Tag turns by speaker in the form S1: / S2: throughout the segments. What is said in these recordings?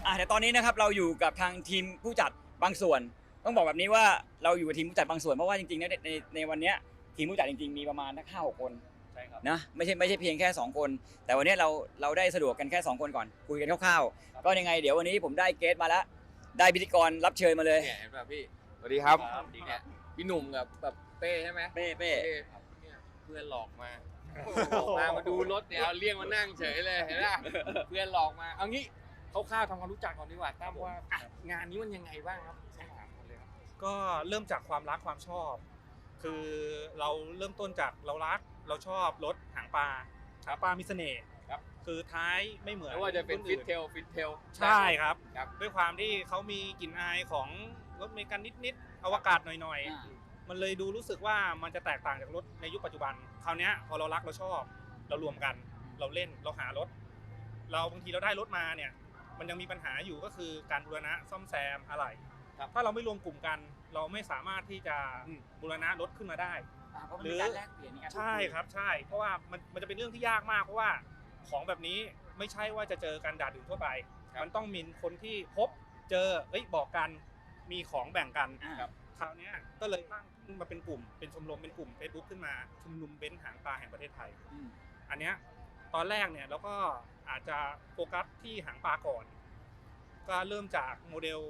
S1: แต่ตอนนี้นะครับเราอยู่กับทางทีมผู้จัดบางส่วนต้องบอกแบบนี้ว่าเราอยู่กับทีมผู้จัดบางส่วนเพราะว่าจริงๆในวันนี้ทีมผู้จัดจริงๆมีประมาณ5-6 คน
S2: ใช่ครับ
S1: นะไม่ใช่เพียงแค่2 คนแต่วันนี้เราได้สะดวกกันแค่2 คนก่อนคุยกันคร่าวๆก็ยังไงเดี๋ยววันนี้ผมได้เกสมาแล้วได้พิธีกรรับเชิญมาเลย
S3: เนี่ยเห็นป่ะพี่สวัสดีครับ
S2: ดีค
S3: เนี่
S2: รั
S3: ย
S2: บ
S3: พี่หนุ่มกับแบบเป้ใช่ไหม
S1: เป้
S3: ครับเนี่ยเพื่อนหลอกมามาดูรถเนี่ยเอาเรียกมานั่งเฉยเลยเห็นป่ะเพื่อนหลอกมาเอางี้คร่าวๆทำความรู้จักก่อนดีกว่าตั้มว่าอ่ะงานนี้มันยังไงบ้างครับต้องถามกันเลยครับ
S2: ก็เริ่มจากความรักความชอบ คือเราเริ่มต้นจากเรารักเราชอบรถหางปลามีเสน่ห์
S3: ครับ
S2: คือท้ายไม่เหมือน
S3: ไม่ว่าจะเป็น
S2: รุ่
S3: ฟิต
S2: อื่
S3: เทล
S2: ใช่ครับ
S3: ครับ
S2: ด้วยความที่เขามีกลิ่นอายของรถเมกันนิดๆอวกาศหน่อยๆมันเลยดูรู้สึกว่ามันจะแตกต่างจากรถในยุคปัจจุบันคราวนี้พอเรารักเราชอบเรารวมกันเราเล่นเราหารถเราบางทีเราได้รถมาเนี่ยมันยังมีปัญหาอยู่ก็คือการบูรณะซ่อมแซมอะไร
S3: ครับ
S2: ถ้าเราไม่รวมกลุ่มกันเราไม่สามารถที่จะบูรณะรถขึ้นมาได้
S1: เพราะมันมีการแลกเปลี่ยนมีการพูดคุย
S2: ใช่ครับใช่เพราะว่ามันจะเป็นเรื่องที่ยากมากเพราะว่าของแบบนี้ไม่ใช่ว่าจะเจอกันด่าดื่นทั่วไป มันต้องมีคนที่พบเจอบอกกันมีของแบ่งกัน
S1: ครับ
S2: คราวเนี้ยก็เลยตั้งขึ้นมาเป็นกลุ่มเป็นชมรมเป็นกลุ่ม Facebook ขึ้นมาชุมนุมเบนซ์หางปลาแห่งประเทศไทย อันเนี้ยตอนแรกเนี่ยเราก็อาจจะโฟกัสที่หางปลาก่อน ก็เริ่มจากโมเดล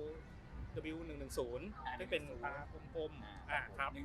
S2: W110 ที่เป็นตากลมๆครับ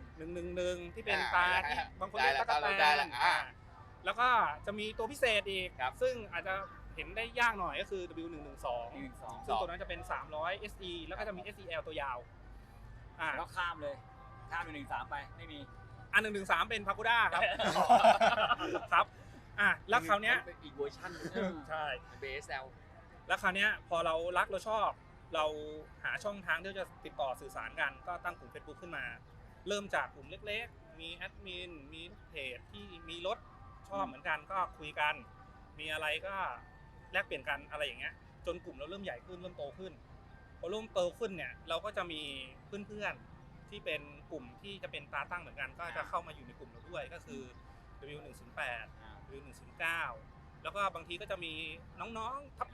S2: 111ที่เป็นตาที่บางคนเรียกตะกั่วแตนแล้วก็จะมีตัวพิเศษอีก ซึ่งอาจจะเห็นได้ยากหน่อยก็คือ W112 ซึ่งตัวนั้นจะเป็น300 SE แล้วก็จะมี SEL ตัวยาว
S1: แล้วข้ามเป็น113ไปไม่มี
S2: 113เป็นพาคูด้าครับครับแล้วคราวเนี้ย
S3: เป็นอีกเวอร์ชันนึง
S2: ใช่
S3: เป็น BSL
S2: แล้วคราวเนี้ยพอเรารักเราชอบเราหาช่องทางที่จะติดต่อสื่อสารกันก็ตั้งกลุ่ม Facebook ขึ้นมา เริ่มจากกลุ่มเล็กๆมีแอดมินมีเพจที่มีรถชอบเหมือนกันก็คุยกันมีอะไรก็แลกเปลี่ยนกันอะไรอย่างเงี้ยจนกลุ่มเราเริ่มใหญ่ขึ้นเริ่มโตขึ้นพอเริ่มโตขึ้นเนี่ยเราก็จะมีเพื่อนๆที่เป็นกลุ่มที่จะเป็นตาตั้งเหมือนกันก็จะเข้ามาอยู่ในกลุ่มเราด้วยก็คือ W108 W109 แล้วก็บางทีก็จะมีน้องๆทับ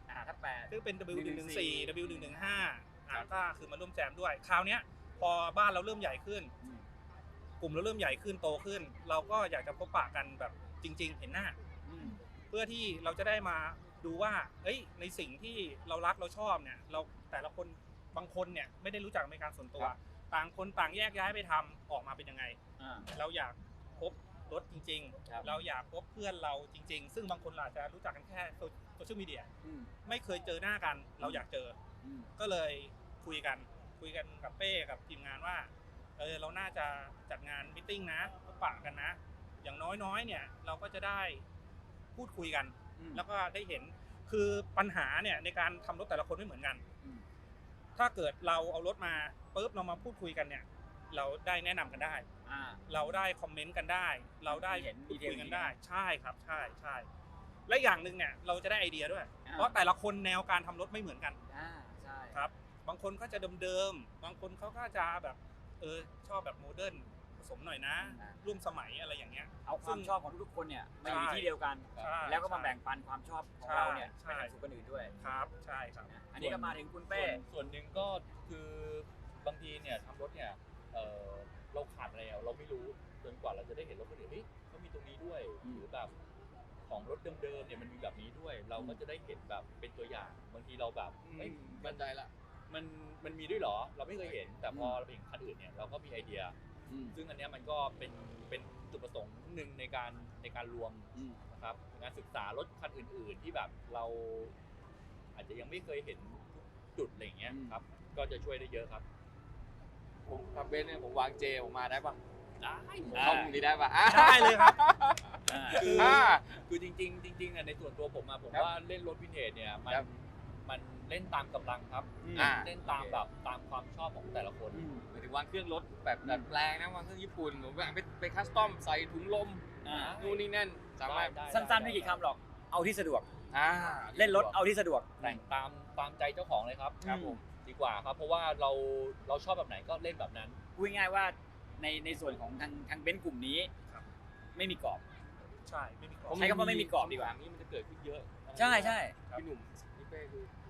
S2: 8ซึ่งเป็น W114 W115 ก็คือมาร่วมแจมด้วยคราวเนี้ยพอบ้านเราเริ่มใหญ่ขึ้นกลุ่มเราเริ่มใหญ่ขึ้นโตขึ้นเราก็อยากจะพบปะกันแบบจริงๆเห็นหน้าเพื่อที่เราจะได้มาดูว่าในสิ่งที่เรารักเราชอบเนี่ยเราแต่ละคนบางคนเนี่ยไม่ได้รู้จักในการส่วนตัวต่างคนต่างแยกย้ายไปทำออกมาเป็นยังไงเราอยากพบรถจริงๆเราอยากพบเพื่อนเราจริงๆซึ่งบางคนอาจจะรู้จักกันแค่โซเชียลมีเดียไม่เคยเจอหน้ากันเราอยากเจอก็เลยคุยกันกับเป้กับทีมงานว่าเราน่าจะจัดงานมีตติ้งนะพบปะกันนะอย่างน้อยๆเนี่ยเราก็จะได้พูดคุยกันแล้วก็ได้เห็นคือปัญหาเนี่ยในการทำรถแต่ละคนไม่เหมือนกันถ้าเกิดเราเอารถมาปุ๊บเรามาพูดคุยกันเนี่ยเราได้แนะนำกันได้เราได้คอมเมนต์กันได้เราได้พูดคุยกันได้ใช่ครับใช่และอย่างหนึ่งเนี่ยเราจะได้ไอเดียด้วยเพราะแต่ละคนแนวการทำรถไม่เหมือนกัน
S1: ใช่
S2: ครับบางคนก็จะเดิมๆบางคนเขาก็จะแบบชอบแบบโมเดิร์นผสมหน่อยนะร่วมสมัยอะไรอย่างเงี้ย
S1: เอาความชอบของทุกคนเนี่ยมาอยู่ที่เดียวกันแล้วก็มาแบ่งปันความชอบของเราเนี่ยไปสู่คนอื่นด้วย
S2: ครับใช่ครับ
S1: อันนี้ก็มาถึงคุณเป้
S4: ส่วนหนึ่งก็คือบางทีเนี่ยทำรถเนี่ยเราขาดอะไรเราไม่รู้จนกว่าเราจะได้เห็นรถคนอื่นเขามีตรงนี้ด้วยหรือแบบของรถเดิมๆเนี่ยมันมีแบบนี้ด้วยเราก็จะได้เห็นแบบเป็นตัวอย่างบางทีเราแบบ
S3: มั่นใจละ
S4: มันมีด้วยเหรอเราไม่เคยเห็นแต่พอเราเห็นคันอื่นเนี่ยเราก็มีไอเดียซึ่งอันนี้มันก็เป็นจุดประสงค์หนึ่งในการรวมนะครับงานศึกษารถคันอื่นๆที่แบบเราอาจจะยังไม่เคยเห็นจุดอะไรอย่างเงี้ยครับก็จะช่วยได้เยอะครับ
S3: ผมทำเบนซ์เนี่ยผมวางเจผมมาได้ปะ
S4: ได้
S3: ผมเข้าตรงนี้ได้ปะ
S2: ได้เลยครับ
S4: คือจริงๆในส่วนตัวผมผมว่าเล่นรถวินเทจเนี่ยมันเล่นตามกำลังครับเล่นตามแบบตามความชอบของแต่ละคน
S3: หมายถึงวางเครื่องรถแบบดัดแปลงนะวางเครื่องญี่ปุ่นผมแบบไปคัสตอมใส่ถุงลมนู่นนี่นั่นสามารถ
S1: สั้นๆไม่กี่คำหรอกเอาที่สะดวกเล่นรถเอาที่สะดวก
S4: แต่งตามใจเจ้าของเลยครับผมดีกว่าครับเพราะว่าเราชอบแบบไหนก็เล่นแบบนั้น
S1: พูดง่ายว่าในส่วนของทางเบนซ์กลุ่มนี้ไม่มีกรอบ
S2: ใช่ไม่มีกรอบ
S1: ใช้คำว่าไม่มีกรอบดีกว่า
S4: นี้มันจะเกิดขึ้นเยอะ
S1: ใช่
S3: พี่หนุ่มพี่เป้คือ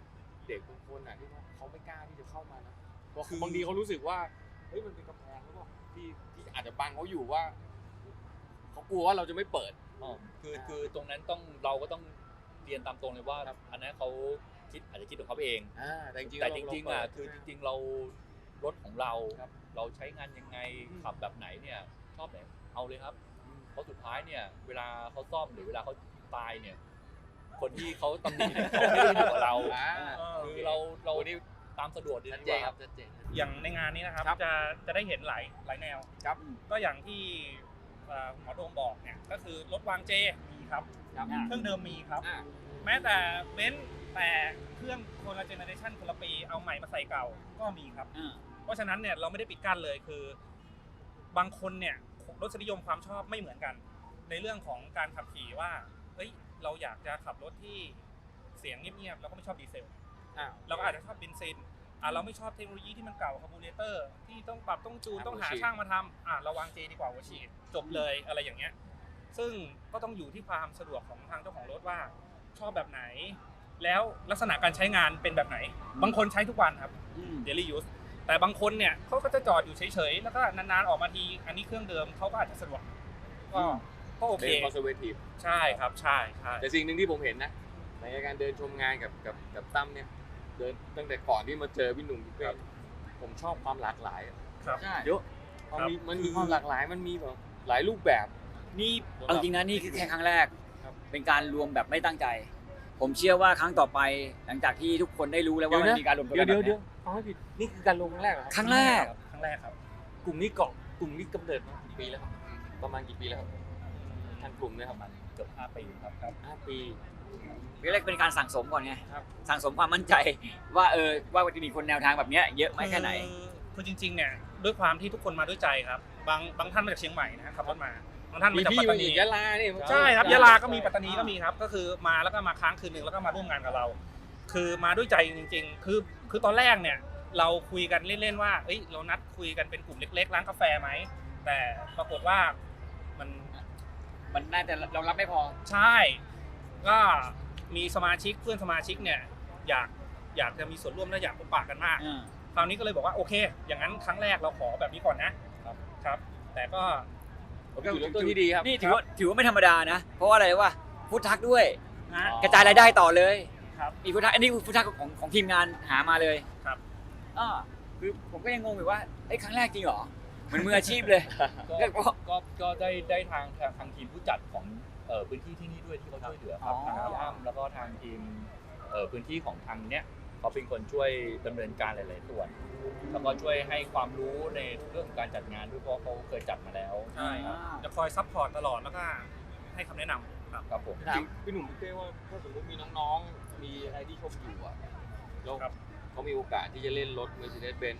S3: เด็กบางคนที่เขาไม่กล้าที่จะเข้ามานะเพราะบางทีเขารู้สึกว่าเฮ้ยมันเป็นกำแพงหรือเปล่าที่อาจจะบังเขาอยู่ว่าเขากลัวว่าเราจะไม่เปิด
S4: คือตรงนั้นเราก็ต้องเรียนตามตรงเลยว่าอันนั้นเขาอาจจะคิดของเขาเอง
S3: แต่จริง
S4: ๆคือจริงๆเรารถของเราเราใช้งานยังไงขับแบบไหนเนี่ยชอบไหนเอาเลยครับเพราะสุดท้ายเนี่ยเวลาเขาซ่อมหรือเวลาเขาตายเนี่ยคนที่เขาตำหนิเนี่ยเขาไม่ได้อยู่กับเราคือเรานี่ตามสะดวกดีกว่าครับ
S2: อย่างในงานนี้นะครับจะได้เห็นหลายแนวก็อย่างที่หมอโดมบอกเนี่ยก็คือรถวางเจมีครับเครื่องเดิมมีครับแม้แต่เบนซ์แต่เครื่องคนละเจเนอเรชันคนละปีเอาใหม่มาใส่เก่าก็มีครับเพราะฉะนั้นเนี่ยเราไม่ได้ปิดกั้นเลยคือบางคนเนี่ยรสนิยมความชอบไม่เหมือนกันในเรื่องของการขับขี่ว่าเฮ้ยเราอยากจะขับรถที่เสียงเงียบๆเราก็ไม่ชอบดีเซลเราก็อาจจะชอบเบนซินเราไม่ชอบเทคโนโลยีที่มันเก่าคาร์บูเรเตอร์ที่ต้องปรับต้องจูนต้องหาช่างมาทำเราวางเจดีกว่าหัวฉีดจบเลยอะไรอย่างเงี้ยซึ่งก็ต้องอยู่ที่ความสะดวกของทางเจ้าของรถว่าชอบแบบไหนแล้วลักษณะการใช้งานเป็นแบบไหนบางคนใช้ทุกวันครับ daily use แต่บางคนเนี่ยเขาก็จะจอดอยู่เฉยๆแล้วก็นานๆออกมาทีอันนี้เครื่องเดิมเขาก็อาจจะสะดวกก็โอเค
S3: เป็น conservative
S2: ใช่ครับใช่
S3: แต่สิ่งหนึ่งที่ผมเห็นนะในการเดินชมงานกับตั้มเนี่ยเดินตั้งแต่ก่อนที่มาเจอพี่หนุ่มพี่เป้ผมชอบความหลากหลาย
S2: ครับ
S3: เยอะมันมีความหลากหลายมันมีแบบหลายรูปแบบ
S1: นี่เอาจริงนะนี่คือแค่ครั้งแรกเป็นการรวมแบบไม่ตั้งใจผมเชื่อว่าครั้งต่อไปหลังจากที่ทุกคนได้รู้แล้วว่ามันมีการรวมตัวกัน
S3: เดี๋ยวฟังให้ผิดนี่คือการรวมครั้งแรกเหรอ
S1: ครั้งแรก
S2: ครับ
S3: กลุ่มนี้กำเนิดมากี่ปีแล้วครับประมาณกี่ปีแล้วครับทางกลุ่มเนี่ยครับ
S4: เกือบ5 ปีครับ
S3: 5 ปี
S1: แรกเป็นการสั่งสมก่อนไงสั่งสมความมั่นใจว่าว่าจะมีคนแนวทางแบบนี้เยอะไหมแค่ไหน
S2: คือจริงๆเนี่ยด้วยความที่ทุกคนมาด้วยใจครับบางท่านมาจากเชียงใหม่นะขับรถมาบางท่านมาจากปัตตานี
S3: ยะลานี่
S2: ใช่ครับยะลาก็มีปัตตานีก็มีครับก็คือมาแล้วก็มาค้างคืนนึงแล้วก็มาร่วมงานกับเราคือมาด้วยใจจริงๆคือตอนแรกเนี่ยเราคุยกันเล่นๆว่าเอ้ยเรานัดคุยกันเป็นกลุ่มเล็กๆร้านกาแฟไหมแต่ปรากฏว่า
S1: มันน่าจะเรารับไม่พอ
S2: ใช่ก็มีเพื่อนสมาชิกเนี่ยอยากจะมีส่วนร่วมและอยากพบปะกันมากคราวนี้ก็เลยบอกว่าโอเคอย่างนั้นครั้งแรกเราขอแบบนี้ก่อนนะครับแต่ก็
S3: จุดเริ่มต้นที่ดีครับ
S1: นี่ถือว่าไม่ธรรมดานะเพราะว่าอะไรวะฟู้ดทัคด้วยกระจายรายได้ต่อเลยมีฟู้ดทัคอันนี้ฟู้ดทัคของทีมงานหามาเลย
S2: ครับ
S1: คือผมก็ยังงงอยู่ว่าครั้งแรกจริงเหรอเหมือนมืออาชีพเลย
S4: ก็ได้ทางทีมผู้จัดของพื้นที่ที่นี่ด้วยที่เขาช่วยเหลือครับทางพี่อ้ำแล้วก็ทางทีมพื้นที่ของทางเนี้ยเขาเป็นคนช่วยดำเนินการหลายๆส่วนแล้วก็ช่วยให้ความรู้ในเรื่องการจัดงานด้วยเพราะเขาเคยจัดมาแล้ว
S2: ใช่จะคอยซัพพอร์ตตลอดแล้วก็ให้คำแนะนำ
S4: ครับผม
S3: พี่หนุ่มพี่เป้ว่าถ้าสมมติมีน้องๆมีอะไรที่ชมอยู่แล้วเขามีโอกาสที่จะเล่นรถ Mercedes-Benz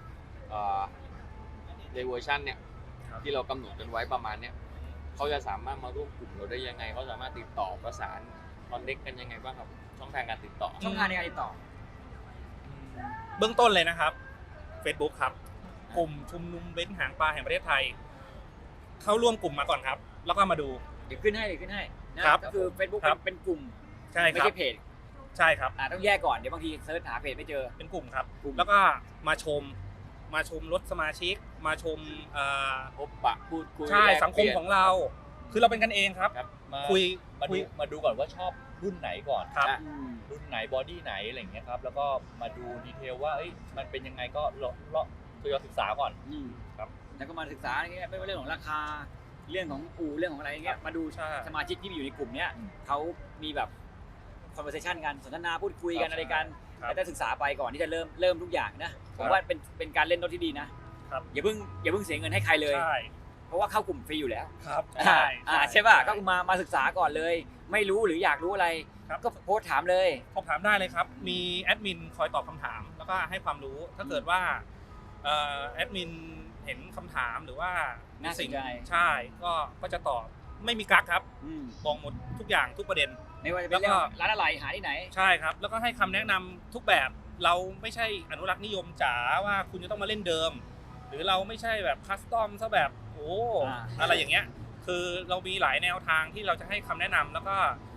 S3: ในเวอร์ชันเนี่ยที่เรากำหนดกันไว้ประมาณเนี้ยเขาจะสามารถมาร่วมกลุ่มเราได้ยังไงเขาสามารถติดต่อประสานคอนเนคกันยังไงบ้างครับช่องทางการติดต่อ
S1: ช่องทางในการติดต่อ
S2: เบื้องต้นเลยนะครับ Facebook ครับกลุ่มชุมนุมเบนซ์หางปลาแห่งประเทศไทยเข้าร่วมกลุ่มมาก่อนครับแล้วก็มาดู
S1: เดี๋ยวขึ้นให้นะครับก็คือ Facebook เป็นกลุ่ม
S2: ใช่
S1: ไม่ใช่เพจ
S2: ใช่ครับ
S1: ต้องแยกก่อนเดี๋ยวบางทีเซิร์ชหาเพจไม่เจอ
S2: เป็นกลุ่มครับแล้วก็มาชมรถสมาชิกมาชม
S3: พบปะพูดคุย
S2: ใช่สังคมของเราคือเราเป็นกันเองครับคุย
S4: มาดูก่อนว่าชอบรุ่นไหนก่อน
S2: ครับ
S4: รุ่นไหนบอดี้ไหนอะไรอย่างเงี้ยครับแล้วก็มาดูดีเทลว่ามันเป็นยังไงก็เราศึกษาก่อน
S1: ครับแล้วก็มาศึกษาอย่างเงี้ยไม่ว่าเรื่องของราคาเรื่องของเรื่องของอะไรอย่างเงี้ยมาดูสมาชิกที่อยู่ในกลุ่มเนี้ยเขามีแบบ conversation กันสนทนาพูดคุยกันอะไรกันแล้วจะศึกษาไปก่อนที่จะเริ่มทุกอย่างนะผมว่าเป็นการเล่นรถที่ดีนะอย่าเพิ่งเสียเงินให้ใครเลยเพราะว่าเข้ากลุ่มฟรีอยู่แล้ว
S2: ครับ
S1: ใช่ป่ะก็มาศึกษาก่อนเลยไม่รู้หรืออยากรู้อะไรก็โพสถามเลย
S2: ถามได้เลยครับมีแอดมินคอยตอบคำถามแล้วก็ให้ความรู้ถ้าเกิดว่าแอดมินเห็นคำถามหรือว่า
S1: น่าสนใจ
S2: ใช่ก็จะตอบไม่มีกั๊กครับบอกหมดทุกอย่างทุกประเด็น
S1: ไม่ว่าจะเป็นเรื่องร้านอะไรหาที่ไหน
S2: ใช่ครับแล้วก็ให้คำแนะนำทุกแบบเราไม่ใช่อนุรักษ์นิยมจ๋าว่าคุณจะต้องมาเล่นเดิมหรือเราไม่ใช่แบบคัสตอมซะแบบอะไรอย่างเงี้ยคือเรามีหลายแนวทางที่เราจะให้คำแนะนำแล้วก็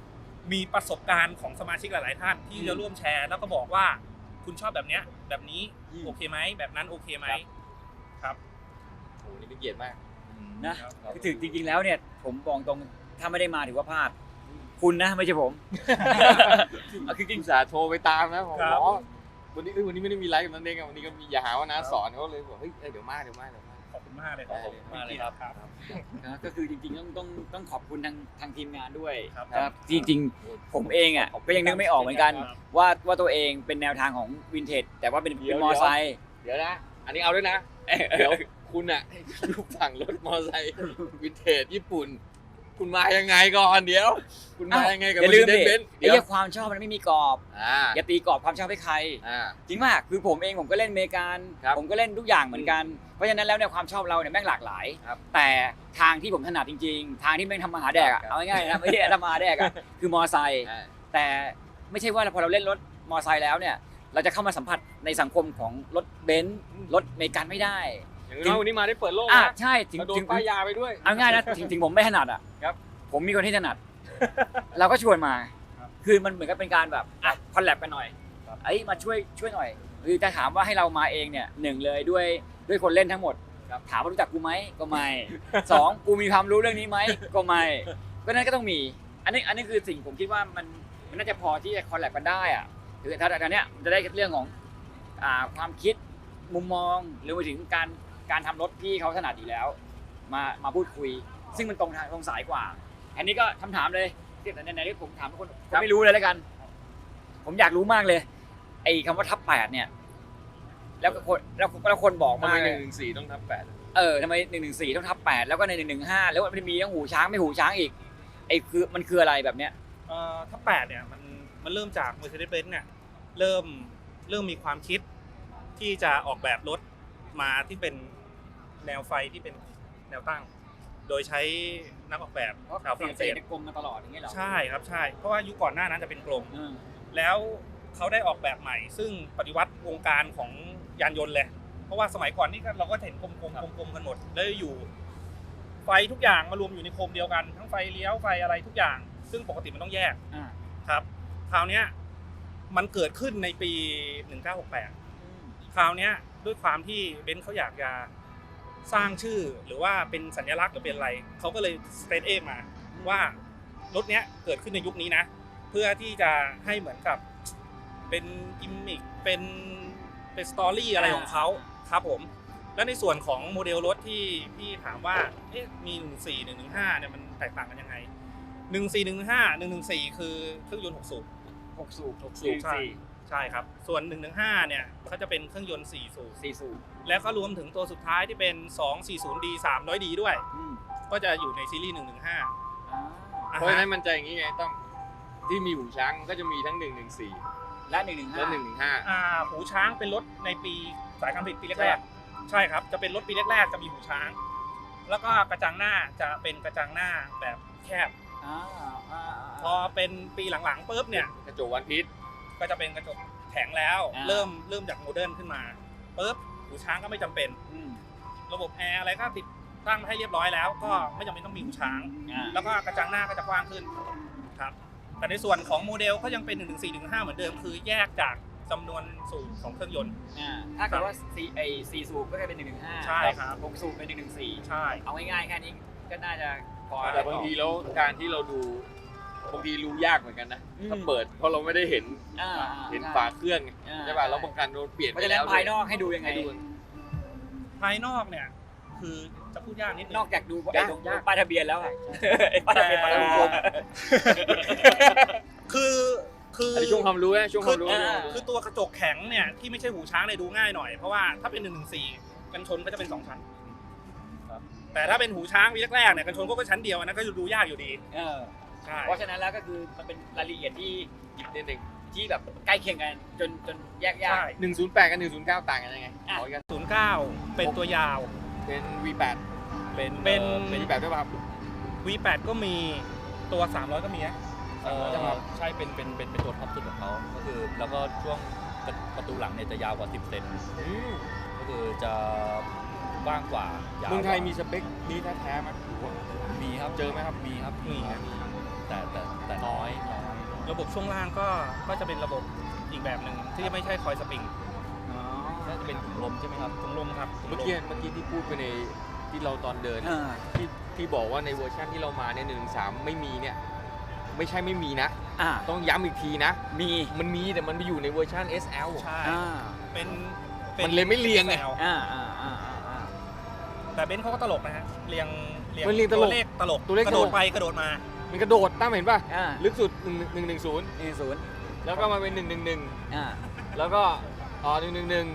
S2: มีประสบการณ์ของสมาชิกหลายๆท่านที่จะร่วมแชร์แล้วก็บอกว่าคุณชอบแบบเนี้ยแบบนี้โอเคไหมแบบนั้นโอเคไหมครับ
S3: โอ้นี่เป็นเกียรติมาก
S1: นะคือถึงจริงๆแล้วเนี่ยผมบอกตรงถ้าไม่ได้มาถือว่าพลาดคุณนะไม่ใช่ผม
S3: คือจริงสาโทรไปตามนะผม
S2: ครับ
S3: อ๋อวันนี้ไม่ได้มีไลฟ์กับนันเองอะวันนี้ก็มีอย่าหาว่าน้าสอนเขาเลยบอกเฮ้ยเดี๋ยวมา
S2: ขอบคุณมากเลย
S4: ขอบคุณมากเลยครับ
S1: นะก็คือจริงๆต้องขอบคุณทางทีมงานด้วย
S2: ครับ
S1: ครับจริงๆผมเองอ่ะก็ยังนึกไม่ออกเหมือนกัน ว่าตัวเองเป็นแนวทางของวินเทจแต่ว่าเป็นมอไซค์
S3: เดี๋ยวนะ อันนี้เอาด้วยนะ เดี๋ยวคุณอะรูปสั่งรถมอไซค์วินเทจญี่ปุ่น คุณมายังไงก่อนเดี๋ยว คุณมายังไงกับ
S1: อย่าลืมดิ
S3: เบนซ์
S1: ไอ้เรื่องความชอบมันไม่มีกรอบ
S3: อ่า
S1: อย่าตีกรอบความชอบให้ใคร จริงมากคือผมเองผมก็เล่นอเมริกัน
S3: ครับ
S1: ผมก็เล่นทุกอย่างเหมือนกันเพราะฉะนั้นแล้วเนี่ยความชอบเราเนี่ยแม่งหลากหลาย
S3: ครับ
S1: แต่ทางที่ผมถนัดจริงๆ ทางที่แม่งทำมาหาแดกอะ
S3: ครับ
S1: เอาง่ายๆนะไม่ใช่ทำมาหาแดกอะคือมอไซค์
S3: อ่า
S1: แต่ไม่ใช่ว่าพอเราเล่นรถมอไซค์แล้วเนี่ยเราจะเข้ามาสัมผัสในสังคมของรถเบนซ์รถอเมริกันไม่ได้
S3: อย่างน้อยวันนี้มาได้เปิดโลก
S1: อ่ะ
S3: นะ
S1: ใช่ถึง
S3: มาโด
S1: ถึ
S3: น
S1: ง
S3: ป้ายยาไปด้วย
S1: เอาง่ายนะถึงผมไม่ถนัดอ่ะ
S3: ครับ
S1: ผมมีคนที่ถนัด เราก็ชวนมา คือมันเหมือนกับเป็นการแบบคอลแลบกันหน่อยไอ้ยมาช่วยหน่อยคือจะถามว่าให้เรามาเองเนี่ยหนึ่งเลยด้วยคนเล่นทั้งหมดถามว่ารู้จักกูไหมก็ไม่ สองกูมีความรู้เรื่องนี้ไหมก็ไม่ก็นั้นก็ต้องมี อันนี้คือสิ่งผมคิดว่ามันน่าจะพอที่จะคอลแลบกันได้อ่ะคือถ้าอันเนี้ยมันจะได้เรื่องของความคิดมุมมองหรือไปถึงการทำรถที่เขาถนัดอยู่แล้ว มาพูดคุย ซึ่งมันตรงสายกว่า อันนี้ก็คำถามเลยที่ไหนๆที่ผมถามทุกคนผมไม่รู้เลยแล้วกัน ผมอยากรู้มากเลย ไอ้คำว่าทับ8เนี่ย แล้วคนบอก
S3: ทำ
S1: มา
S3: ไม
S1: กเลย
S3: 114ต้องทับ8
S1: ทำไม114ต้องทับ8แล้วก็ใน115แล้วมันมีทั้งหูช้างไม่หูช้างอีกไอ้คือมันคืออะไรแบบเนี้ย
S2: ถ้า8เนี่ยมันเริ่มจาก Mercedes-Benz เนี่ยเริ่มมีความคิดที่จะออกแบบรถมาที่เป็นแนวไฟที่เป็นแนวตั้ง โดยใช้นักออกแบบชาวฝรั่งเศส
S1: กลมมาตลอดอย่างเงี้ยเหรอ
S2: ใช่ครับใช่เพราะว่ายุคก่อนหน้านั้นจะเป็นกลม
S1: อืม
S2: แล้วเขาได้ออกแบบใหม่ ซึ่งปฏิวัติวงการของยานยนต์เลย เพราะว่าสมัยก่อนนี่เราก็เห็นกลมๆกันหมดแล้วอยู่ ไฟทุกอย่างมารวมอยู่ในโคมเดียวกันทั้งไฟเลี้ยวไฟอะไรทุกอย่าง ซึ่งปกติมันต้องแยก
S1: อ่า
S2: ครับคราวเนี้ยมันเกิดขึ้นในปี 1968 คราวเนี้ยด้วยความที่เบนซ์เขาอยากจะสร้างชื่อหรือว่าเป็นสัญลักษณ์หรือเป็นอะไรเขาก็เลยสเตทเอมาว่ารถเนี้ยเกิดขึ้นในยุคนี้นะ เพื่อที่จะให้เหมือนกับเป็นกิมมิคเป็นสตอรี่อะไรของเขาครับผม แล้วในส่วนของโมเดลรถที่พี่ถามว่ามี114 115เนี่ยมันแตกต่างกันยังไง14 115 114คือเครื่องยนต์6สูบ
S1: 6 สูบ
S2: ใช่ครับส่วน115เนี่ยเขาจะเป็นเครื่องยนต์4สูบ
S1: 4 สูบ
S2: แล้วก็รวมถึงตัวสุดท้ายที่เป็น 240D 300D ด้วย
S1: อืม
S2: ก็จะอยู่ในซีรีส์115
S1: อ่า
S3: เพราะฉะนั้นมันจะอย่างนี้ไงต้องที่มีหูช้างก็จะมีทั้ง114
S1: และ
S3: และ
S1: 115
S2: หูช้างเป็นรถในปีสายการผลิตปีแรกๆใช่ครับจะเป็นรถปีแรกๆจะมีหูช้าง แล้วก็กระจังหน้าจะเป็นกระจังหน้าแบบแคบ พอเป็นปีหลังๆปุ๊บเนี่ย
S3: 115กระจกวันพีช
S2: ก็จะเป็นกระจกแข็งแล้ว เริ่มจากโมเดิร์นขึ้นมาปุ๊บหูช้างก็ไม่จำเป็น
S1: อืม
S2: ระบบแอร์อะไรก็ติดตั้งให้เรียบร้อยแล้ว ก็ไม่จำเป็นต้องมีหูช้าง แล้วก็กระจังหน้าก็จะกว้างขึ้นครับแต่ในส่วนของโมเดลก็ยังเป็น114 115เหมือนเดิมคือแยกจากจำนวนสูบของเครื่องยนต์
S1: ถ้าเกิดว่า4สูบก็จะเป็น115
S2: ใช่ครับ
S1: 6สูบเป็น114
S2: ใช่
S1: เอาง่ายๆแค่นี้ก็น่าจะพอ
S3: แต่บางทีแล้วการที่เราดูบางทีรู้ยากเหมือนกันนะถ้าเปิดเพราะเราไม่ได้เห็นฝาเครื่องใช่ป่ะแล้วบางการเราเปลี่ยน
S1: เพ
S3: ไป
S1: ราะฉะนั้
S3: แล้
S1: น
S3: ว
S1: ภายนอกให้ดูยังไง
S2: ภายนอกเนี่ยคือจะพูดยากนิดนึง
S1: นอกจากดูไอ้ตรงป้ายทะเบียนแล้วอะไอ้ป้ายทะเบียนมาแล้วผม
S2: คือ
S3: อันนี้ช่วงความรู้นะช่วงความรู้
S2: คือตัวกระจกแข็งเนี่ยที่ไม่ใช่หูช้างเนี่ยดูง่ายหน่อยเพราะว่าถ้าเป็น114กันชนก็จะเป็น2ชั้นแต่ถ้าเป็นหูช้างวีแรกๆเนี่ยกันชนก็ชั้นเดียวนะก็ดูยากอยู่ดีใช่
S1: เพราะฉะนั้นแล้วก็คือมันเป็นรายละเอียดที่
S3: อีกนิดนึง
S1: ที่แบบใกล้เคียงกันจนแยกยาก
S3: 108กับ109ต่างกันยังไงขอกัน
S2: 09เป็นตัวยาว
S3: เป็น V8
S2: เป็น
S3: V8 ด้วยป่ะครับ
S2: V8 ก็มีตัว300ก็มีนะ
S4: ใช่เป็นตัวท็อปสุดของเขาก็คือแล้วก็ช่วงประตูหลังเนี่ยจะยาวกว่า10 เซนก็คือจะกว้างกว่ายาว
S3: เมืองไทยมีสเปคนี้แท้ๆไหม
S4: มีครับ
S3: เจอไหมครับ
S4: มีครับ
S2: มี
S4: แต่น้อย
S2: ระบบช่วงล่างก็จะเป็นระบบอีกแบบหนึ่งที่ไม่ใช่คอยสปริง
S1: อ๋อ
S4: น่าจะเป็นถุงลมใช่ไหมครับ
S2: ถุงลมครับถุง
S3: เมื่อ
S2: ลม
S3: กี้ที่พูดไปในที่เราตอนเดิน
S1: อ่า
S3: ที่บอกว่าในเวอร์ชันที่เรามาเนี่ย113ไม่มีเนี่ยไม่ใช่ไม่มีนะ
S1: อ่า
S3: ต้องย้ำอีกทีนะ
S1: มี
S3: มันมีแต่มันไปอยู่ในเวอร์ชัน SL
S2: ใช่
S1: อ่า
S2: เป็น
S3: มันเลยไม่เรียงไง
S2: แนว
S1: อ่า
S2: แต่เบนซ์เขาก็ตลกนะฮะเรียง
S3: มันเรียงตลก
S2: ตัวเลขตลก
S3: ตัวเลข
S2: กระโดด
S3: ตลก
S2: ไปกระโดดมา
S3: มันกระโดดตั้มเห็นป่ะ
S1: อ่า
S3: ลึกสุด110
S1: 10
S3: แล้วก็มาเป็น111
S1: อ่า
S3: แล้วก็111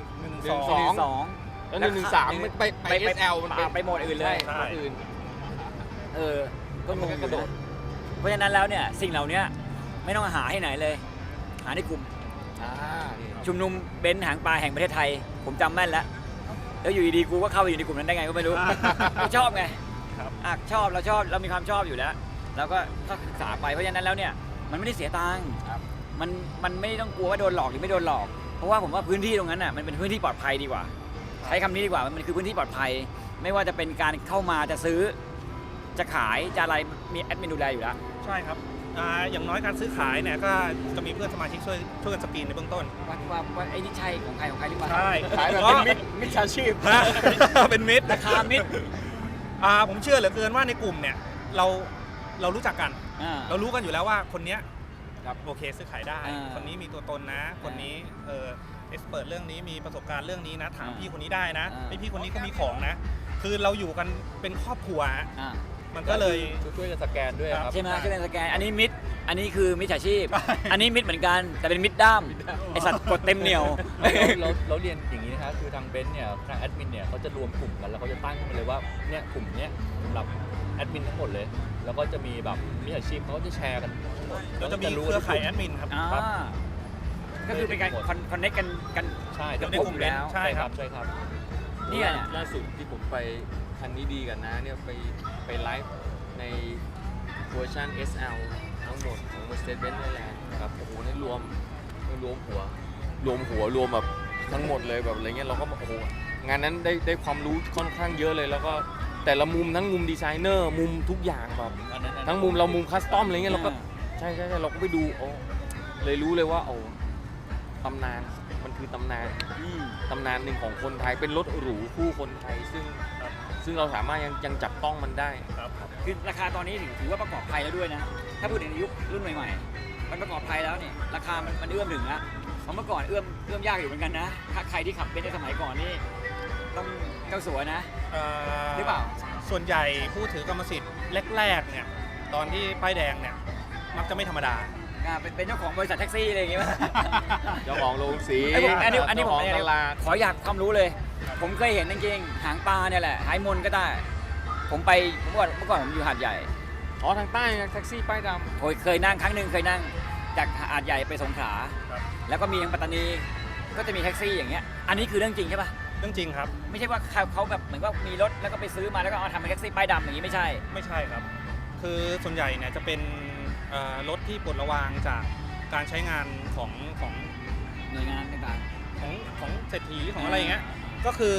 S2: 12
S3: 12แล้ว113มันไป SL มัน
S1: ไปโหมดอื่นเลย
S2: ใช่
S3: โหมดอื่น
S1: ก็งง
S3: มันก็กระโดด
S1: เพราะฉะนั้นแล้วเนี่ยสิ่งเหล่านี้ไม่ต้องหาให้ไหนเลย หาในกลุ่ม
S3: นี่ครับ
S1: ชุมนุมเบนซ์หางปลาแห่งประเทศไทย ผมจำแม่นแล้วแล้วอยู่ดีๆกูก็เข้าไปอยู่ในกลุ่มนั้นได้ไงก็ไม่รู้ ก็ชอบไง
S2: ครับ
S1: ชอบเรามีความชอบอยู่แล้วเราก็ศึกษาไปเพราะฉะนั้นแล้วเนี่ยมันไม่ได้เสียตังค์มันไม่ต้องกลัวว่าโดนหลอกหรือไม่โดนหลอก เพราะว่าผมว่าพื้นที่ตรงนั้นน่ะมันเป็นพื้นที่ปลอดภัยดีกว่า ใช้คำนี้ดีกว่ามันคือพื้นที่ปลอดภัย ไม่ว่าจะเป็นการเข้ามาจะซื้อ จะขายจะอะไรมีแอดมินดูแลอยู่แล้ว
S2: ใช่ครับอย่างน้อยการซื้อขายเนี่ยก็จะมีเพื่อนสมาชิกช่วยกันสกรีนในเบื้องต้น
S1: ว่าไอ้นี่ใช่ของใครหรือเปล่า
S2: ใช่
S3: ขายแบบเป็นมิจฉาชีพ
S2: ฮะ เป็นมิตร
S1: ราคามิด
S2: ผมเชื่อเหลือเกินว่าในกลุ่มเนี่ยเรารู้จักกัน เรารู้กันอยู่แล้วว่าคนเนี้ย
S1: ครับ
S2: โอเคซื้อขายได้ คนนี้มีตัวตนนะ คนนี้เอ็กซ์เปิดเรื่องนี้มีประสบการณ์เรื่องนี้นะถามพี่คนนี้ได้นะไอพี่คนนี้ก็มีของนะ คือเราอยู่กันเป็นครอบครัวฮะมันก็เลย
S4: ช่วยกันสแกนด้วยครับ
S1: ใช่ไหมช่วยกันสแกนอันนี้มิดอันนี้คือมิจฉาชีพ อันนี้มิดเหมือนกันแต่เป็นมิดด้ามไอสัตว์กดเต็มเหนียว
S4: เราเรียนอย่างนี้นะครับคือทางเบนซ์เนี่ยทางแอดมินเนี่ยเขาจะรวมกลุ่มกันแล้วเขาจะตั้งขึ้นมาเลยว่าเนี่ยกลุ่มเนี้ยสำหรับแอดมินทั้งหมดเลย แล้วก็จะมีแบบมิจฉาชีพเขาก็จะแชร์กันทั้งหมด
S2: เราจะมีเครือข่ายแอดมินครับ
S1: อ่าก็คือเป็นการคอนเนคกัน
S4: ใช่
S2: อยู่ในกลุ่ม
S1: แล้ว
S2: ใช่ครับ
S4: ใช่ครับ
S1: เนี่ย
S3: ล่าสุดที่ผมไปคันนี้ดีกันนะเนี่ยไปไลฟ์ในเวอร์ชัน SL ทั้งหมดของ Mercedes-Benz Thailand นะครับโอ้โหนี่รวมหัวรวมแบบทั้งหมดเลยแบบอะไรเงี้ยเราก็โอ้โหงานนั้นได้ความรู้ค่อนข้างเยอะเลย แล้วก็แต่ละมุมทั้งมุมดีไซเนอร์มุมทุกอย่างแบบทั้งมุมเรามุมคัสตอมอะไรเงี้ยเราก็ใช่เราก็ไปดูโอ้เลยรู้เลยว่าโอ้ตำนานมันคือตำนานหนึ่งของคนไทยเป็นรถหรูคู่คนไทยซึ่งเราสามารถยังจับต้องมันได้
S1: คือราคาตอนนี้ถือว่าประกอบภัยแล้วด้วยนะถ้าพูดถึงในยุครุ่นใหม่ๆมันประกอบภัยแล้วเนี่ยราคามันเอื้อมถึงแล้วเพราะเมื่อก่อนเอื้อมยากอยู่เหมือนกันนะถ้าใครที่ขับเป็นในสมัยก่อนนี่ต้องเจ้าสัวนะหรือเปล่า
S2: ส่วนใหญ่ผู้ถือกรรมสิทธิ์แรกๆเนี่ยตอนที่ป้ายแดงเนี่ยมักจะไม่ธรรมดา
S1: เป็นเจ้าของบริษัทแท็กซี่อะไรอย่างเงี้ย
S3: เจ้าของโรงสี
S1: อันนี้ผม
S3: เจ้าของตลาด
S1: ขออยากความรู้เลย ผมเคยเห็นจริงๆหางปลาเนี่ยแหละหายมนก็ได้ผมเมื่อก่อนผมอยู่หาดใหญ่
S3: อ๋อทางใต้แท็กซี่ป้ายดำ
S1: เคยนั่งครั้งหนึ่งเคยนั่งจากหาดใหญ่ไปสงขลา
S2: ครับ
S1: แล้วก็มีทางปัตตานีก็จะมีแท็กซี่อย่างเงี้ยอันนี้คือเรื่องจริงใช่ปะ
S2: เรื่องจริงครับ
S1: ไม่ใช่ว่าเขาแบบเหมือนว่ามีรถแล้วก็ไปซื้อมาแล้วก็เอาทำเป็นแท็กซี่ป้ายดำอย่างนี้ไม่ใช่
S2: ไม่ใช่ครับ คือส่วนใหญ่เนี่ยจะเป็นรถที่ปลดระวางจากการใช้งานของ
S1: หน่วยงานต่าง
S2: ของเศรษฐีของอะไรอย่างเงี้ยก็คือ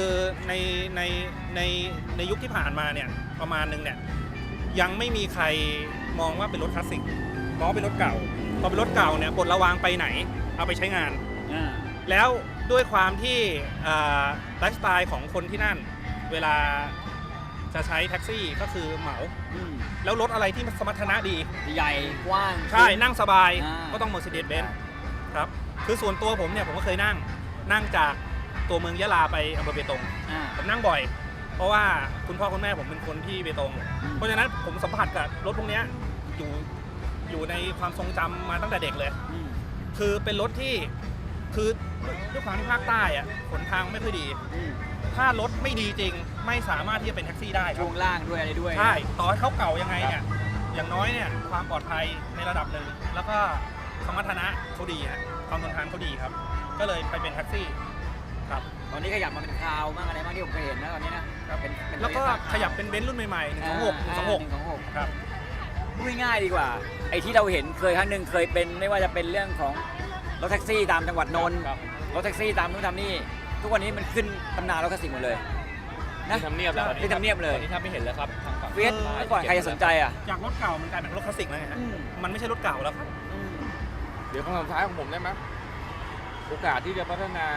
S2: ในยุคที่ผ่านมาเนี่ยประมาณนึงเนี่ยยังไม่มีใครมองว่าเป็นรถคลาสสิกมองว่าเป็นรถเก่าพอเป็นรถเก่าเนี่ยปลดระวางไปไหนเอาไปใช้งาน
S1: ๆ
S2: แล้วด้วยความที่ไลฟ์สไตล์ของคนที่นั่นเวลาจะใช้แท็กซี่ก็คือเหมาแล้วรถอะไรที่สมรรถนะดี
S1: ใหญ่กว้าง
S2: ใช่นั่งสบาย
S1: อ่า
S2: ก็ต้อง Mercedes-Benz ครับคือส่วนตัวผมเนี่ยผมก็เคยนั่งจากตัวเมืองยะลาไปอำเภอเบตง ผมนั่งบ่อย เพราะว่าคุณพ่อคุณแม่ผมเป็นคนที่เบตง เพราะฉะนั้นผมสัมผัสกับรถพวกเนี้ยอยู่ในความทรงจำมาตั้งแต่เด็กเลย คือเป็นรถที่คือด้วยความที่ภาคใต้อะหนทางไม่ค่อยดี ถ้ารถไม่ดีจริงไม่สามารถที่จะเป็นแท็กซี่ได้ครั
S1: ช่
S2: บ
S1: วงล่างด้วยอะไรด้วย
S2: ใช่ต่อให้เขาเก่ายังไงเนี่ยอย่างน้อยเนี่ยความปลอดภัยในระดับหนึ่งแล้วก็สมรรถนะเขาดีฮะความทนทานเขาดีครับ ก็เลยไปเป็นแท็กซี่ครับ
S1: ตอนนี้ขยับมาเป็นคราวมากอะไรมากที่ผมเคยเห็นนะตอนนี้นะเป็น
S2: แล้วก็ขยับเป็นเบนซ์รุ่นใหม่ๆ126ครับ
S1: พูดง่ายๆดีกว่าไอ้ที่เราเห็นเคยครั้งหนึ่งเคยเป็นไม่ว่าจะเป็นเรื่องของรถแท็กซี่ตามจังหวัดนนท์รถแท็กซี่ตามนู่นทำนี่ทุกวันนี้มันขึ้นตำนานรถคลาสสิกหมดเลยนะ
S3: ที่ทำเนียบแล้ว
S1: ที่ทำเนียบเลย
S4: ตอนนี้ถ้าไม่เห็นแล้วครับทางฝั่ง
S1: เฟียสเมื่อก่อนใครจะสนใจอ่ะ
S2: จากรถเก่ามันกลายเป็นรถคลาสสิกแล้วไงฮะมันไม่ใช่รถเก่าแล้วครับ
S3: เดี๋ยวคำถามสุดท้ายของผมได้ไหมโอกาสที่จะพัฒนา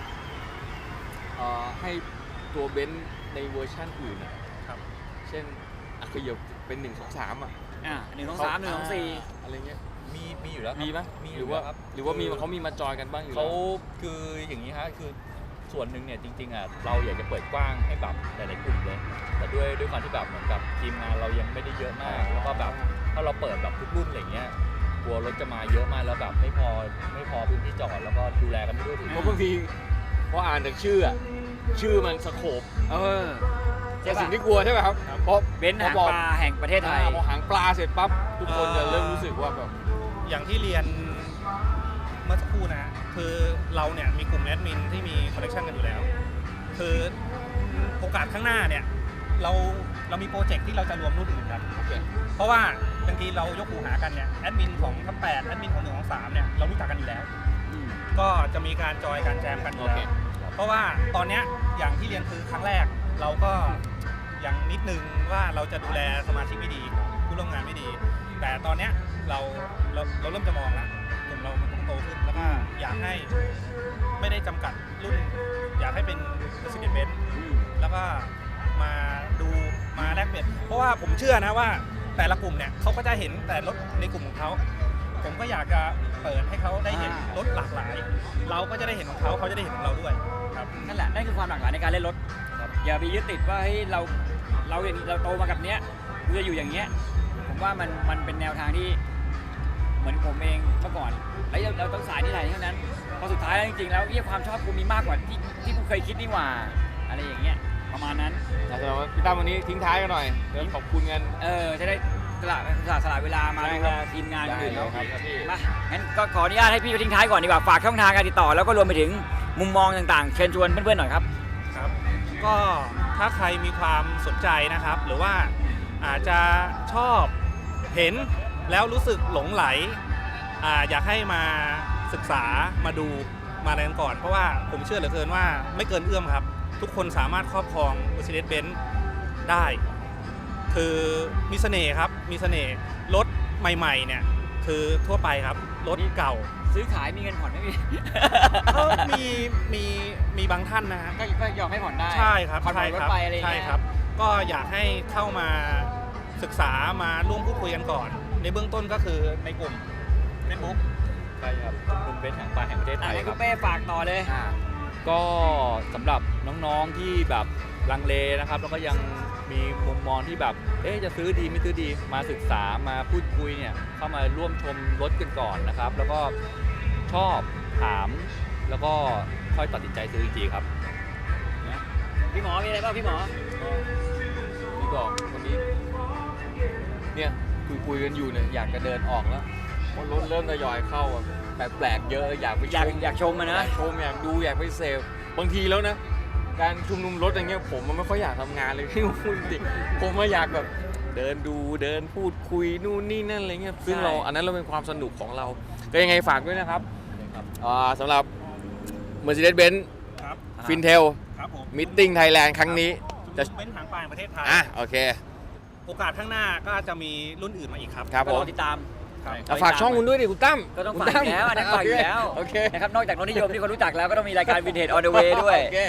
S3: ให้ตัวเบนซ์ในเวอร์ชันอื่นอะ
S2: ครับ
S3: เช่นขยับเป็น1 2 3อ่ะ
S1: 1 2 3 1 2 4
S3: อะไรเงี้ย
S4: มีอยู่แล้วครับ
S3: มีไหม
S4: มี
S3: หรือว่า
S4: ครับ
S3: หรือว่ามีเขามีมาจอยกันบ้างอยู่
S4: เขา
S3: แล้ว
S4: คืออย่างนี้ฮะคือส่วนหนึ่งเนี่ยจริงๆอ่ะเราอยากจะเปิดกว้างให้แบบหลายๆกลุ่มเลยแต่ด้วยความที่แบบเหมือนกับทีมงานเรายังไม่ได้เยอะมากแล้วก็แบบถ้าเราเปิดแบบทุกรุ่นอะไรเงี้ยกลัวรถจะมาเยอะมากแล้วแบบไม่พอพื้นที่จอดแล้วก็ดูแลกันไม่ด้วยถึง
S3: เพราะบางทีพออ่านจากชื่ออะชื่อมันสโคป
S1: ใช่
S3: แต่
S1: ปะ
S3: สิ่งที่กลัวใช่ไหมครับเพราะ
S1: เบนซ์หางปลาแห่งประเทศไทย
S3: พอหางปลาเสร็จปั๊บทุกคนจะเริ่มรู้สึกว่าแบบ
S2: อย่างที่เรียนเมื่อสักครู่นะคือเราเนี่ยมีกลุ่มแอดมินที่มีคอนเนคชันกันอยู่แล้ว คือโอกาสข้างหน้าเนี่ยเรามีโปรเจกต์ที่เราจะรวมรุ่นอื่นกัน เพราะว่าบางทีเรายกหูหากันเนี่ยแอดมินของทัพ8แอดมินของ1 ของ3เนี่ยเรารู้จักกันอยู่แล้ว ก็จะมีการจอยการแจมกันอยู่แล้วเพราะว่าตอนเนี้ยอย่างที่เรียนคือครั้งแรกเราก็ยังนิดนึงว่าเราจะดูแลสมาชิกไม่ดีผู้ร่วมงานไม่ดี แต่ตอนเนี้ยเราเริ่มจะมองแล้วกลุ่มเรามันต้องโตขึ้นแล้วก็อยากให้ไม่ได้จำกัดรุ่น อยากให้เป็น Mercedes-Benz แล้วก็มาดูมาแลกเปลี่ยนเพราะว่าผมเชื่อนะว่าแต่ละกลุ่มเนี่ยเขาก็จะเห็นแต่รถในกลุ่มของเขาผมก็อยากจะเปิดให้เขาได้เห็นรถหลากหลาย เราก็จะได้เห็นของเขาเขาจะได้เห็นของเราด้วยครับ
S1: นั่นแหละนั่นคือความหลากหลายในการเล่นรถอย่าไปยึดติดว่าเฮ้ยเราอย่างเราโตมากับเนี้ยเราจะอยู่อย่างเงี้ยผมว่ามันเป็นแนวทางที่เหมือนผมเองเมื่อก่อนแล้วเราต้องสายนี่ไหนเท่านั้นพอสุดท้ายแล้วจริงๆแล้วความชอบกูมีมากกว่าที่กูเคยคิดนี่หว่าอะไรอย่างเงี้ยประมาณนั้น
S3: แสดงว่าพี่ตั้มวันนี้ทิ้งท้ายกันหน่อยเดี๋ยวขอบคุณกัน
S1: จะได้สละเวลามาดูแลทีมงานอื่น
S3: ได้
S1: เขา
S3: ครับพี่
S1: มางั้นก็ขออนุญาตให้พี่ไปทิ้งท้ายก่อนดีกว่าฝากช่องทางการติดต่อแล้วก็รวมไปถึงมุมมองต่างๆเชิญชวนเพื่อนๆหน่อยครับ
S2: ครับก็ถ้าใครมีความสนใจนะครับ หรือว่าอาจจะชอบเห็นแล้วรู้สึกหลงไหลอยากให้มาศึกษามาดูมาอะไรกันก่อน เพราะว่าผมเชื่อเหลือเกินว่าไม่เกินเอื้อมครับ ทุกคนสามารถครอบครอง Mercedes-Benz ได้ คือมีเสน่ห์ครับมีเสน่ห์รถใหม่ๆเนี่ยคือทั่วไปครับรถเก่า
S1: ซื้อขายมีเงินผ่อนไหมพี่
S2: ก็มีบางท่านนะฮะ
S1: ก็ยอมให้ผ่อนได้
S2: ใช่ครับ
S1: ผ่อน
S2: ใช่
S1: รถ
S2: ครับ
S1: ไปอะไรอย่าง
S2: ใช่
S1: เงี้ย
S2: ครับ ก็อยากให้เข้ามาศึกษามาร่วมพูดคุยกันก่อน ในเบื้องต้นก็คือในกลุ่ม Facebook
S4: ใช่ครับกลุ่มเบนซ์หางปลาแห่งประเทศไทย
S1: ให้
S4: ค
S1: คุ
S4: รั
S1: ณ
S4: บ
S1: เป้ฝากต่อเลย
S4: ก็สำหรับน้องๆที่แบบลังเลนะครับแล้วก็ยังมีมุมมองที่แบบจะซื้อดีไม่ซื้อดีมาศึกษามาพูดคุยเนี่ยเข้ามาร่วมชมรถกันก่อนนะครับ แล้วก็ชอบถามแล้วก็ค่อยตัดสินใจซื้ออีกทีครับ
S1: พี่หมอมีอะไรบ้างพี่หมอ
S3: พี่บอกวันนี้เนี่ยคุยกันอยู่เนี่ยอยากจะเดินออกแล้วเพราะรถเริ่มทยอยเข้าอะแปลกๆเยอะอยากไปชม
S1: อยากชมมันนะ
S3: อยากชมอยากดูอยากไปเซฟบางทีแล้วนะการชุมนุมรถอย่างเงี้ยผมมันไม่ค่อยอยากทำงานเลยพี่พูดจริงผมมาอยากแบบเดินดูเดินพูดคุยนู่นนี่นั่นอะไรเงี้ยซึ่งเราอันนั้นเราเป็นความสนุกของเราก็ยังไงฝากด้วยนะครับสำหรับ Mercedes-Benz
S2: ครับ
S3: Fintel
S2: ครับผม
S3: Meeting Thailand ครั้งนี้
S2: จะเป็นหางปลาแห่งประเทศไทย
S3: โอเค
S2: โอกาสข้างหน้าก็จะมีรุ่นอื่นมาอีกครับ
S3: ครับ
S1: ก็
S3: ผ
S1: ร
S3: ม
S1: อติดตาม
S2: ครับ
S3: ฝากช่องคุณด้วยดิคุณตั้ม
S1: ก็ต้องฝากอยู่แล้วอันนั้นฝากอยู่แล้ว
S3: โอเค
S1: นะครับนอกจากรถนิยมที่คนรู้จักแล้วก็ต้องมีรายการ Vintage on the way ด้วย
S3: โอเค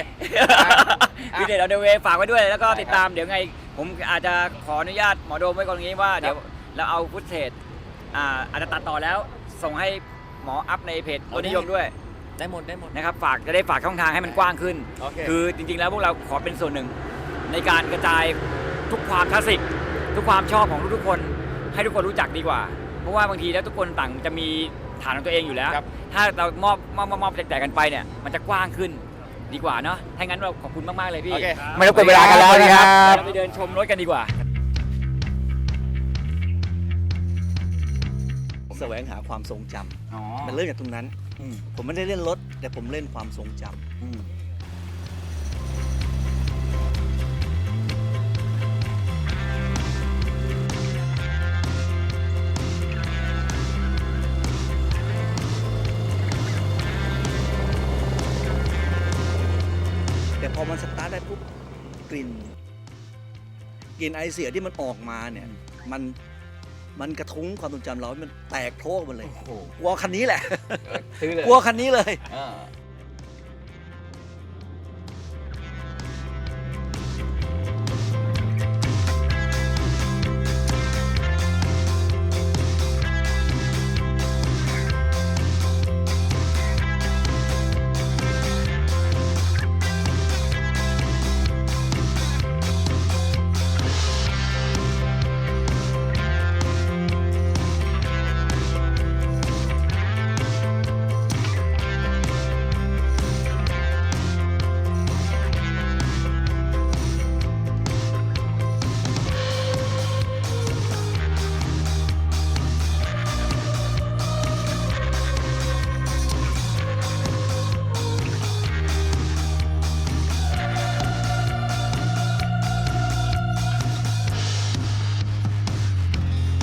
S1: Vintage on the way ฝากไว้ด้วยแล้วก็ติดตามเดี๋ยวไงผมอาจจะขออนุญาตหมอโดมไว้ก่อนตรงนี้ว่าเดี๋ยวเราเอาฟุตเทจอาจจะตัดต่อแล้วส่งให้หมออัพในเพจรถนิยมด้วย
S3: ได้หมด
S1: นะครับจะได้ฝากช่องทางให้มันกว้างขึ้น
S3: โอเค
S1: คือจริงๆแล้วพวกเราขอเป็นส่วนหนึ่งในการกระจายทุกความคลาสสิกทุกความชอบของทุกๆคนให้ทุกคนรู้จักดีกว่า เพราะว่าบางทีแล้วทุกคนต่างจะมีฐานของตัวเองอยู่แล้ว
S3: ครับ
S1: ถ้าเรามอบแจกกันไปเนี่ยมันจะกว้างขึ้นดีกว่าเนาะถ้างั้นเราขอบคุณมากๆเลยพี่
S3: โอเค
S1: ไม่รบกวนเวลากันแล้วนะครับ
S3: ครับ
S1: เราไปเดินชมรถกันดีกว่า
S5: แสวงหาความทรงจ
S1: อ๋อ
S5: ำมันเริ่มจากตรงนั้น ผมไม่ได้เล่นรถ แต่ผมเล่นความทรงจำแต่พอมันสตาร์ทได้ปุ๊บกลิ่นไอเสียที่มันออกมาเนี่ยมันมันกระทุ้งความทรงจำเราให้มันแตกโพร่งหมดเลย
S3: โอ้โห
S5: กลัวคันนี้แหละ
S3: ซื้อเลย
S5: กลัวคันนี้เลย
S3: อ่า